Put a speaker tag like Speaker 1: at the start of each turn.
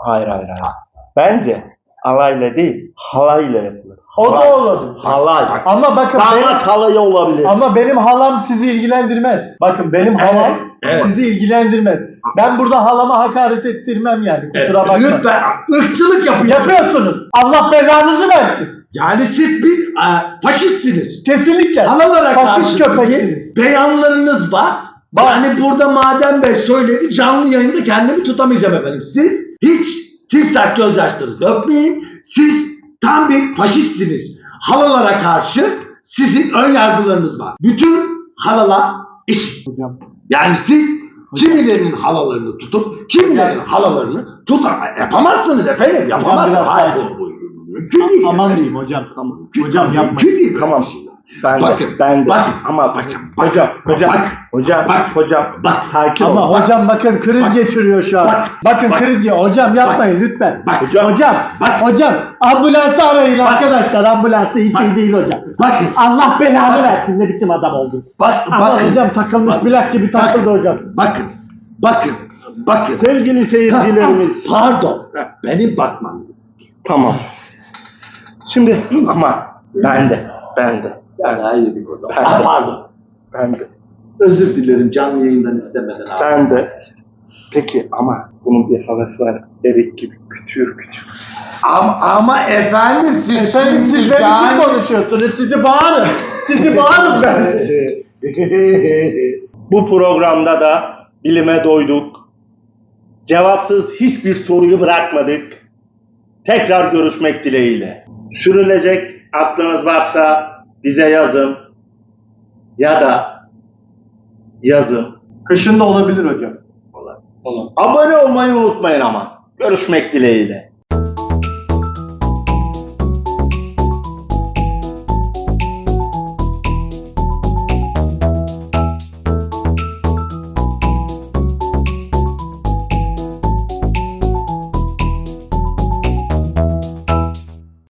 Speaker 1: Hayır. Bence alayla değil, halayla yapılır.
Speaker 2: O da olur.
Speaker 1: Halay.
Speaker 2: Ama bakın
Speaker 1: Damat halayı olabilir.
Speaker 2: ama benim halam sizi ilgilendirmez. Bakın benim halam sizi ilgilendirmez. Ben burada halama hakaret ettirmem yani. Kusura bakmayın.
Speaker 3: Lütfen ırkçılık
Speaker 2: Yapıyorsunuz. Allah belanızı versin.
Speaker 3: Yani siz bir faşistsiniz.
Speaker 2: Kesinlikle.
Speaker 3: Halalara
Speaker 2: Faşist
Speaker 3: karşı
Speaker 2: köpeksiniz.
Speaker 3: beyanlarınız var. Yani burada Madem Bey söyledi, canlı yayında kendimi tutamayacağım efendim. Siz hiç timsah gözyaşları dökmeyin. Siz tam bir faşistsiniz. Halalara karşı sizin ön yargılarınız var. Bütün halalar eşit. Yani siz kimilerinin halalarını tutup kimilerinin halalarını yapamazsınız efendim. Yapamazsınız.
Speaker 2: biraz
Speaker 3: Hayır,
Speaker 2: sakin.
Speaker 3: bu mümkün değil.
Speaker 2: Aman diyeyim hocam. Tamam. Hocam yapmayın.
Speaker 3: Mümkün değil.
Speaker 1: Tamam. Ben de.
Speaker 3: Bakın.
Speaker 1: Ama hocam, sakin ol.
Speaker 2: Ama hocam bakın kriz geçiriyor şu an. Bakın kriz geçiriyor. Hocam yapmayın lütfen. Hocam ambulansı arayın arkadaşlar. Ambulansı hiç iyi değil hocam.
Speaker 3: Bakın.
Speaker 2: Allah belanı versin, ne biçim adam oldun. Ama hocam takılmış plak gibi takıldı hocam.
Speaker 3: Bakın.
Speaker 1: Sevgili seyircilerimiz.
Speaker 3: Pardon. Benim bakmam.
Speaker 1: Tamam. Şimdi ama ben de.
Speaker 3: Yani yedik o zaman.
Speaker 1: Ben de.
Speaker 3: Pardon.
Speaker 1: Ben de.
Speaker 3: Özür dilerim canlı yayından istemeden abi.
Speaker 1: Ben de. Peki ama bunun bir havası var. Bebek gibi küçür.
Speaker 3: Ama efendim siz
Speaker 2: Efendim siz benim için konuşuyorsunuz. Sizi bağırın ben.
Speaker 1: Bu programda da bilime doyduk. Cevapsız hiçbir soruyu bırakmadık. Tekrar görüşmek dileğiyle. Sürülecek aklınız varsa bize yazın. Ya da yazın.
Speaker 2: Kışın da olabilir hocam.
Speaker 1: Abone olmayı unutmayın ama. Görüşmek dileğiyle.